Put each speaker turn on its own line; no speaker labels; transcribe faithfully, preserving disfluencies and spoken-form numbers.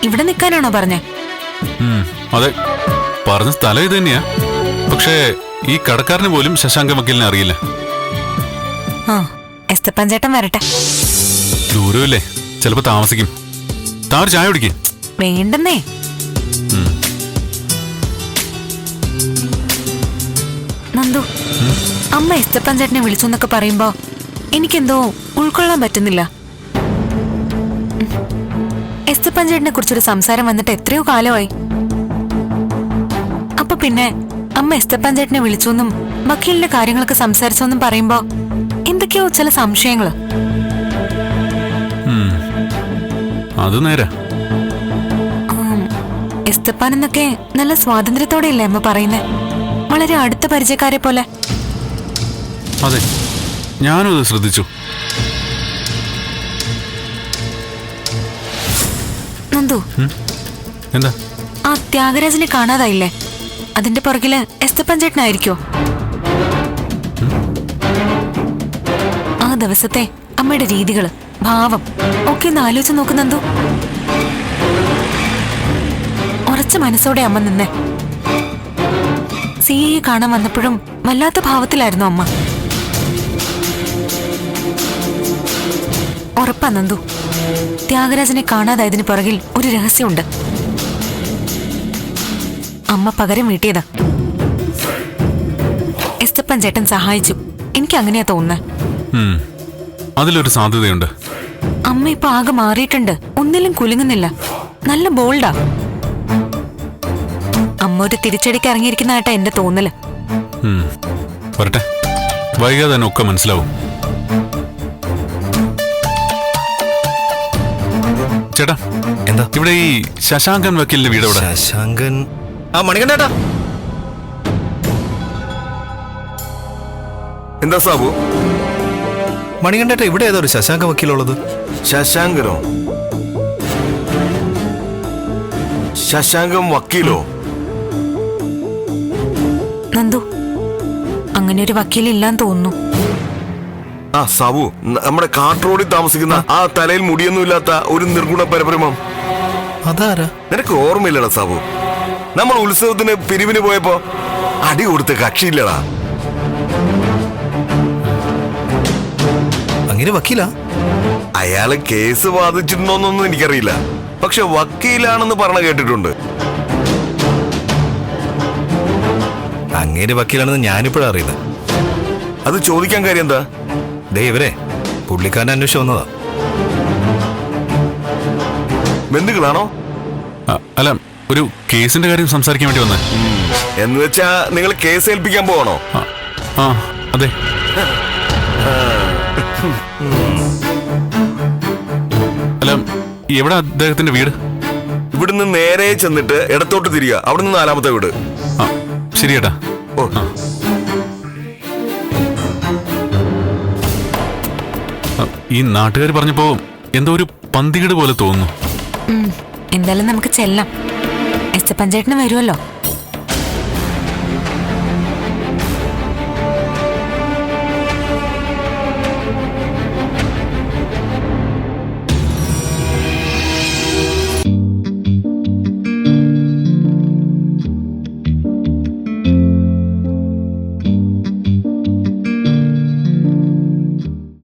ഇവിടെ നിൽക്കാനാണോ പറഞ്ഞേ?
അതെ, പറഞ്ഞ സ്ഥലം ഇത് തന്നെയാ. പക്ഷേ ഈ കടക്കാരന് പോലും ശശാങ്ക വക്കീലിനെ അറിയില്ല.
ആ, എസ്തപ്പൻ ചേട്ടൻ വരട്ടെ.
ദൂരമില്ലേ, ചിലപ്പോ താമസിക്കും. താറ് ചായ കുടിക്കേ?
വേണ്ടെന്നേ. നന്ദു, അമ്മ എസ്തപ്പൻ ചേട്ടനെ വിളിച്ചു എന്നൊക്കെ പറയുമ്പോ എനിക്കെന്തോ ഉൾക്കൊള്ളാൻ പറ്റുന്നില്ല. എസ്തപ്പൻ ചേട്ടനെ കുറിച്ചൊരു സംസാരം വന്നിട്ട് എത്രയോ കാലമായി. അപ്പൊ പിന്നെ അമ്മ എസ്തപ്പൻ ചേട്ടനെ വിളിച്ചെന്നും വക്കീലിന്റെ കാര്യങ്ങളൊക്കെ സംസാരിച്ചെന്നും പറയുമ്പോ എന്തൊക്കെയോ ചില സംശയങ്ങള്.
അത് നേരാ.
എസ്തപ്പാൻ എന്നൊക്കെ നല്ല സ്വാതന്ത്ര്യത്തോടെയല്ലേ അമ്മ പറയുന്നേ, വളരെ അടുത്ത പരിചയക്കാരെ പോലെ.
അതെ, ഞാനും അത് ശ്രദ്ധിച്ചു.
നന്ദു,
എന്താ?
ആ ത്യാഗരാജനെ കാണാതായില്ലേ? അതിന്റെ പുറകില് എസ്തപ്പൻ ചേട്ടനായിരിക്കോ? ആ ദിവസത്തെ അമ്മയുടെ രീതികള്, ഭാവം ഒക്കെ ഒന്ന് ആലോചിച്ച് നോക്ക് നന്ദു. ഉറച്ച മനസ്സോടെ അമ്മ നിന്നെ. സിയെ കാണാൻ വന്നപ്പോഴും വല്ലാത്ത ഭാവത്തിലായിരുന്നു അമ്മ. ഉറപ്പാ നന്ദു, ത്യാഗരാജനെ കാണാതായതിന് പുറകിൽ ഒരു രഹസ്യമുണ്ട്. അമ്മ പകരം വീട്ടിയതാ. എസ്തപ്പൻ ചേട്ടൻ സഹായിച്ചു, എനിക്ക് അങ്ങനെയാ തോന്നുന്നത്.
അതിലൊരു സാധ്യതയുണ്ട്.
അമ്മ ഇപ്പൊ ആകെ മാറിയിട്ടുണ്ട്, ഒന്നിലും കുലുങ്ങുന്നില്ല, നല്ല ബോൾഡാ. അമ്മ ഒരു തിരിച്ചടിക്ക് ഇറങ്ങിയിരിക്കുന്നതായിട്ടാ എന്റെ തോന്നല്.
വരട്ടെ, വൈകാതെ തന്നെ ഒക്കെ മനസ്സിലാവും. ചേട്ടാ,
എന്താ
ഇവിടെ ഈ ശശാങ്കൻ വക്കീലിന്റെ വീട് എവിടെ?
ശശാങ്കൻ ആ മണികണ്ഠേട്ടാ.
എന്താ സാബു?
മണികണ്ഠേട്ട, ഇവിടെ ഏതോ ഒരു ശശാങ്ക വക്കീലുള്ളത്.
ശശാങ്കനോ? ശശാങ്കം വക്കീലോ?
നന്ദു, അങ്ങനെ ഒരു വക്കീലില്ലാന്ന് തോന്നുന്നു.
ആ സാബു, നമ്മുടെ കാട്ട് റോഡിൽ താമസിക്കുന്ന ആ തലയിൽ മുടിയൊന്നും ഇല്ലാത്ത ഒരു നിർഗുണ പരബ്രഹ്മം.
അതാരാ?
നിനക്ക് ഓർമ്മയില്ലടാ സാബു? നമ്മൾ ഉത്സവത്തിന് പിരിവിന് പോയപ്പോ അടി കൊടുത്ത കക്ഷിയില്ലടാ.
അങ്ങനെ വക്കീലാ?
അയാള് കേസ് വാദിച്ചിട്ടുണ്ടോന്നൊന്നും എനിക്കറിയില്ല, പക്ഷെ വക്കീലാണെന്ന് പറഞ്ഞ കേട്ടിട്ടുണ്ട്.
അങ്ങേര് വക്കീലാണെന്ന് ഞാനിപ്പോഴാ അറിയുന്നത്.
അത് ചോദിക്കാൻ കാര്യം എന്താ?
ദേ ഇവരെ പുള്ളിക്കാരനെ അന്വേഷിച്ച് വന്നതാ.
ബന്ധുക്കളാണോ?
അല്ല, ഒരു കേസിന്റെ കാര്യം സംസാരിക്കാൻ വേണ്ടി വന്നേ.
എന്ന് വെച്ചാ നിങ്ങൾ കേസ് ഏൽപ്പിക്കാൻ പോവാണോ?
ആ അതെ. അല്ല, എവിടെ അദ്ദേഹത്തിന്റെ വീട്?
ഇവിടുന്ന് നേരെ ചെന്നിട്ട് ഇടത്തോട്ട് തിരിയുക, അവിടുന്ന് നാലാമത്തെ വീട്.
ആ ശരി ചേട്ടാ.
ഓ,
ഈ നാട്ടുകാർ പറഞ്ഞപ്പോ എന്തോ ഒരു പന്തികേട് പോലെ തോന്നുന്നു.
എന്തായാലും നമുക്ക് ചെല്ലാം. എസ്തപ്പൻ ചേട്ടന് വരുമല്ലോ.